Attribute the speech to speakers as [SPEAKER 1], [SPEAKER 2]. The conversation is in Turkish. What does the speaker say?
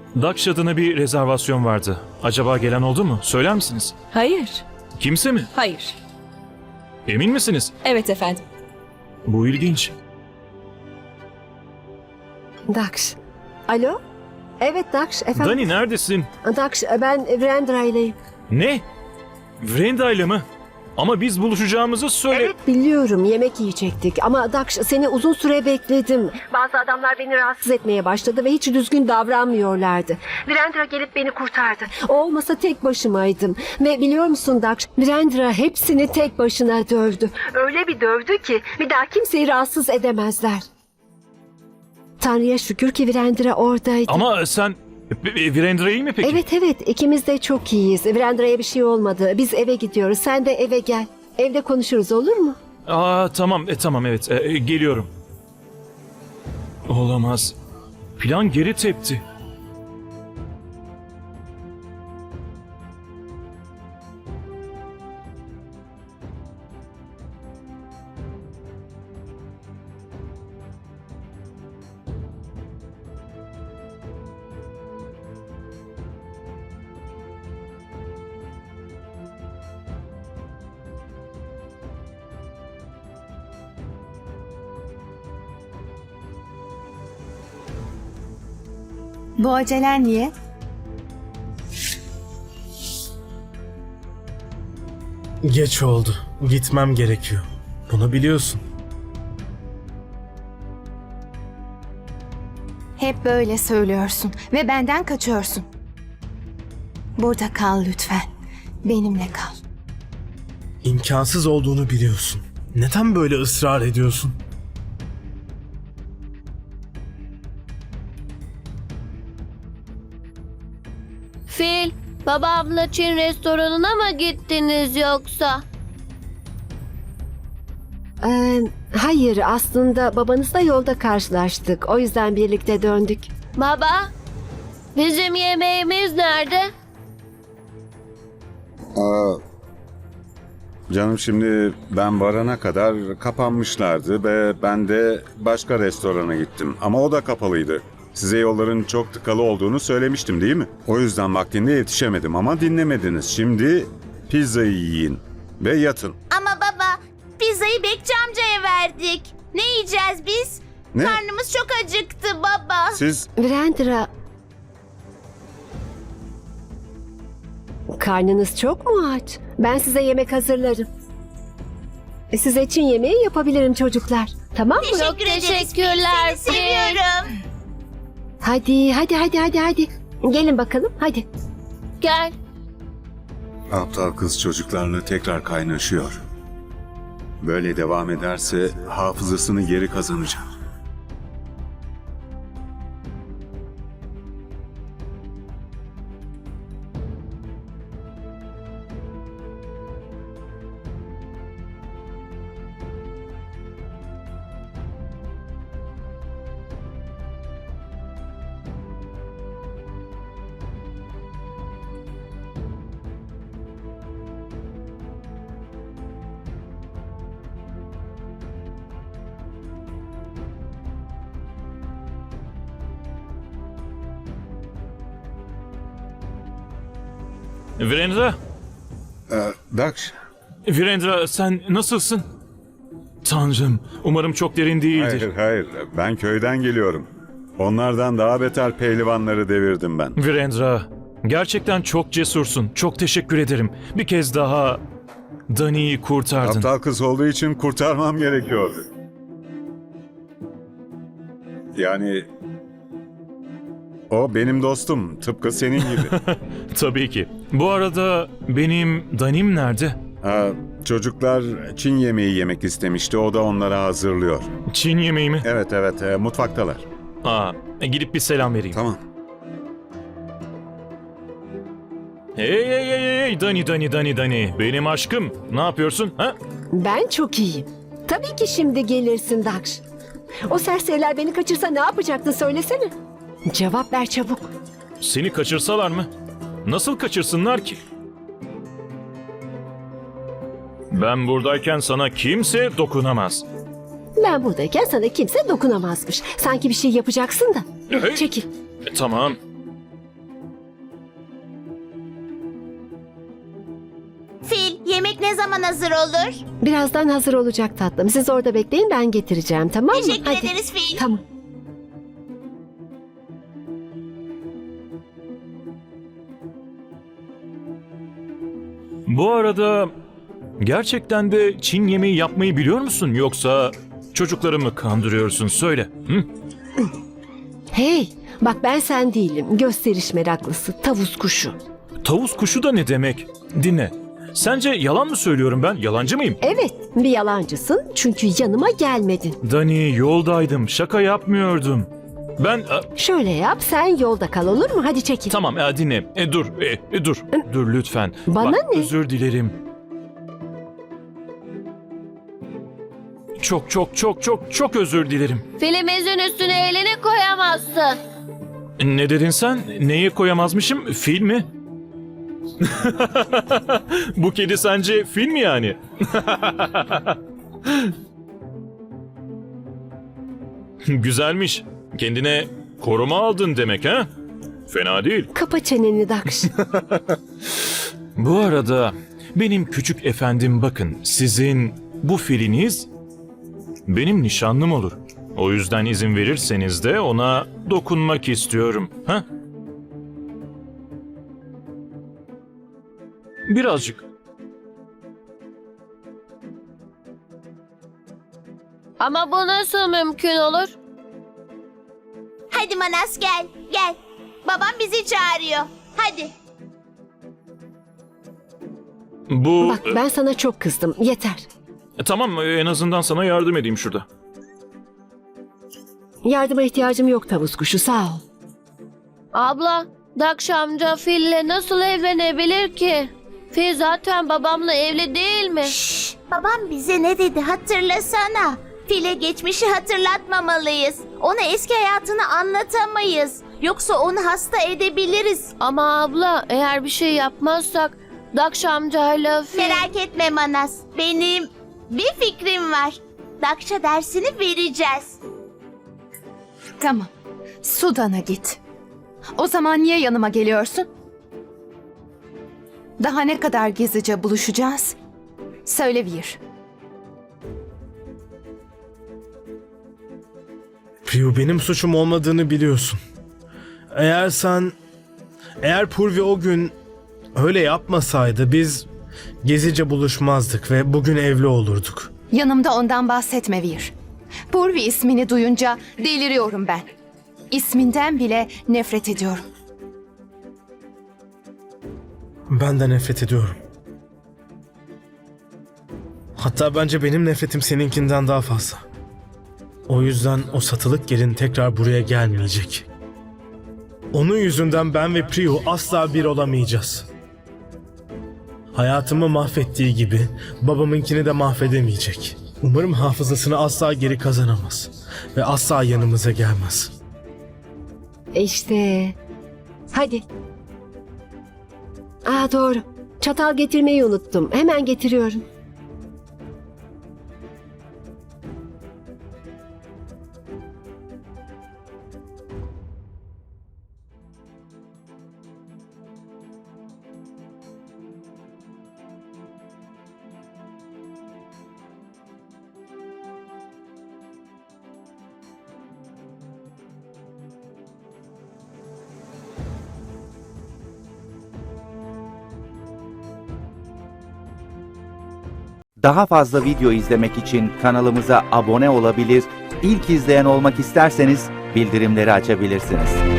[SPEAKER 1] Daksh adına bir rezervasyon vardı. Acaba gelen oldu mu? Söyler misiniz?
[SPEAKER 2] Hayır.
[SPEAKER 1] Kimse mi?
[SPEAKER 2] Hayır.
[SPEAKER 1] Emin misiniz?
[SPEAKER 2] Evet efendim.
[SPEAKER 1] Bu ilginç.
[SPEAKER 3] Daksh. Alo? Evet Daksh efendim.
[SPEAKER 1] Dani neredesin?
[SPEAKER 3] Daksh ben Virendra ileyim.
[SPEAKER 1] Ne? Vrenda ile mi? Ama biz buluşacağımızı söyle...
[SPEAKER 3] Evet biliyorum yemek yiyecektik ama Daksh seni uzun süre bekledim. Bazı adamlar beni rahatsız etmeye başladı ve hiç düzgün davranmıyorlardı. Virendra gelip beni kurtardı. O olmasa tek başımaydım. Ve biliyor musun Daksh, Virendra hepsini tek başına dövdü. Öyle bir dövdü ki bir daha kimseyi rahatsız edemezler. Tanrı'ya şükür ki Virendra oradaydı.
[SPEAKER 1] Ama sen... Virendra iyi mi peki?
[SPEAKER 3] Evet ikimiz de çok iyiyiz. Virendra'ya bir şey olmadı. Biz eve gidiyoruz. Sen de eve gel. Evde konuşuruz olur mu?
[SPEAKER 1] Tamam, tamam evet. Geliyorum. Olamaz. Plan geri tepti.
[SPEAKER 4] Bu acelen niye?
[SPEAKER 5] Geç oldu. Gitmem gerekiyor. Bunu biliyorsun.
[SPEAKER 4] Hep böyle söylüyorsun ve benden kaçıyorsun. Burada kal lütfen. Benimle kal.
[SPEAKER 5] İmkansız olduğunu biliyorsun. Neden böyle ısrar ediyorsun?
[SPEAKER 6] Fil, babamla Çin restoranına mı gittiniz yoksa?
[SPEAKER 3] Hayır aslında babanızla yolda karşılaştık. O yüzden birlikte döndük.
[SPEAKER 6] Baba, bizim yemeğimiz nerede?
[SPEAKER 7] Canım şimdi ben varana kadar kapanmışlardı ve ben de başka restorana gittim. Ama o da kapalıydı. Size yolların çok tıkalı olduğunu söylemiştim değil mi? O yüzden vaktinde yetişemedim ama dinlemediniz. Şimdi pizzayı yiyin ve yatın.
[SPEAKER 8] Ama baba, pizzayı Bekçi amcaya verdik. Ne yiyeceğiz biz?
[SPEAKER 7] Ne?
[SPEAKER 8] Karnımız çok acıktı baba.
[SPEAKER 7] Siz
[SPEAKER 3] Virendra... Karnınız çok mu aç? Ben size yemek hazırlarım. Size için yemeği yapabilirim çocuklar. Tamam mı?
[SPEAKER 6] Çok teşekkürler
[SPEAKER 8] Seni
[SPEAKER 6] Fil.
[SPEAKER 8] seviyorum.
[SPEAKER 3] Hadi. Gelin bakalım hadi.
[SPEAKER 6] Gel.
[SPEAKER 7] aptal kız çocuklarla tekrar kaynaşıyor. Böyle devam ederse hafızasını geri kazanacak.
[SPEAKER 1] Virendra,
[SPEAKER 7] Daksh,
[SPEAKER 1] Virendra sen nasılsın? Tanrım, umarım çok derin değildir.
[SPEAKER 7] hayır. Ben köyden geliyorum. Onlardan daha beter pehlivanları devirdim ben.
[SPEAKER 1] Virendra, gerçekten çok cesursun. Çok teşekkür ederim. Bir kez daha Dani'yi kurtardın.
[SPEAKER 7] Aptal kız olduğu için kurtarmam gerekiyordu. Yani o benim dostum, tıpkı senin gibi.
[SPEAKER 1] Tabii ki. Bu arada benim Dani'm nerede?
[SPEAKER 7] Çocuklar Çin yemeği yemek istemişti, o da onlara hazırlıyor.
[SPEAKER 1] Çin yemeği mi?
[SPEAKER 7] Evet, mutfaktalar.
[SPEAKER 1] Gidip bir selam vereyim.
[SPEAKER 7] Tamam.
[SPEAKER 1] Hey, Dani. Benim aşkım. Ne yapıyorsun? Ha?
[SPEAKER 3] Ben çok iyiyim. Tabii ki şimdi gelirsin Daksh. O serseriler beni kaçırsa ne yapacaktın söylesene. Cevap ver çabuk.
[SPEAKER 1] Seni kaçırsalar mı? Nasıl kaçırsınlar ki? Ben buradayken sana kimse dokunamaz.
[SPEAKER 3] Ben buradayken sana kimse dokunamazmış. Sanki bir şey yapacaksın da.
[SPEAKER 1] Hey.
[SPEAKER 3] Çekil.
[SPEAKER 1] Tamam.
[SPEAKER 8] hazır olur?
[SPEAKER 3] Birazdan hazır olacak tatlım. Siz orada bekleyin, ben getireceğim, tamam mı?
[SPEAKER 8] Teşekkür
[SPEAKER 3] Hadi.
[SPEAKER 8] ederiz Fil.
[SPEAKER 3] Tamam.
[SPEAKER 1] Bu arada gerçekten de Çin yemeği yapmayı biliyor musun? Yoksa çocukları mı kandırıyorsun? Söyle. Hı?
[SPEAKER 3] Hey, bak ben sen değilim. Gösteriş meraklısı, tavus kuşu.
[SPEAKER 1] Tavus kuşu da ne demek? Dinle. Sence yalan mı söylüyorum ben? Yalancı mıyım?
[SPEAKER 3] Evet, bir yalancısın çünkü yanıma gelmedin.
[SPEAKER 1] Dani, yoldaydım. Şaka yapmıyordum. Ben...
[SPEAKER 3] Şöyle yap, sen yolda kal, olur mu? Hadi çekil.
[SPEAKER 1] Tamam, dinle. Dur. Dur. Dur lütfen.
[SPEAKER 3] Bana
[SPEAKER 1] Bak,
[SPEAKER 3] ne?
[SPEAKER 1] özür dilerim. Çok özür dilerim.
[SPEAKER 6] Filimizin üstüne elini koyamazsın.
[SPEAKER 1] Ne dedin sen? Neye koyamazmışım? Fil mi? Bu kedi sence fil mi yani? Güzelmiş. Kendine koruma aldın demek ha? Fena değil.
[SPEAKER 3] Kapa çeneni Dakş.
[SPEAKER 1] Bu arada benim küçük efendim bakın sizin bu filiniz benim nişanlım olur. O yüzden izin verirseniz de ona dokunmak istiyorum. Ha? Birazcık.
[SPEAKER 6] Ama bu nasıl mümkün olur?
[SPEAKER 8] Hadi Manas gel. Gel. Babam bizi çağırıyor. Hadi.
[SPEAKER 1] Bu...
[SPEAKER 3] Bak ben sana çok kızdım, yeter.
[SPEAKER 1] Tamam en azından sana yardım edeyim şurada.
[SPEAKER 3] Yardıma ihtiyacım yok tavus kuşu, sağ ol.
[SPEAKER 6] Abla, Dakş amca Fil'le nasıl evlenebilir ki? Fil zaten babamla evli değil mi?
[SPEAKER 8] Babam bize ne dedi hatırlasana. Fil'e geçmişi hatırlatmamalıyız. Ona eski hayatını anlatamayız. Yoksa onu hasta edebiliriz.
[SPEAKER 6] Ama abla, eğer bir şey yapmazsak Dakş amcayla Fil...
[SPEAKER 8] Merak etme Manas. Benim bir fikrim var. Dakş'a dersini vereceğiz.
[SPEAKER 4] Tamam. Sudan'a git. O zaman niye yanıma geliyorsun? Daha ne kadar gizlice buluşacağız? Söyle Vir.
[SPEAKER 5] Priyu, benim suçum olmadığını biliyorsun. Eğer Purvi o gün öyle yapmasaydı biz gezice buluşmazdık ve bugün evli olurduk.
[SPEAKER 4] Yanımda ondan bahsetme Vir. Purvi ismini duyunca deliriyorum ben. İsminden bile nefret ediyorum.
[SPEAKER 5] Ben de nefret ediyorum. Hatta bence benim nefretim seninkinden daha fazla. O yüzden o satılık gelin tekrar buraya gelmeyecek. Onun yüzünden ben ve Priyu asla bir olamayacağız. Hayatımı mahvettiği gibi babamınkini de mahvedemeyecek. Umarım hafızasını asla geri kazanamaz ve asla yanımıza gelmez.
[SPEAKER 3] İşte. Hadi. Doğru. Çatal getirmeyi unuttum. Hemen getiriyorum.
[SPEAKER 2] Daha fazla video izlemek için kanalımıza abone olabilir, ilk izleyen olmak isterseniz bildirimleri açabilirsiniz.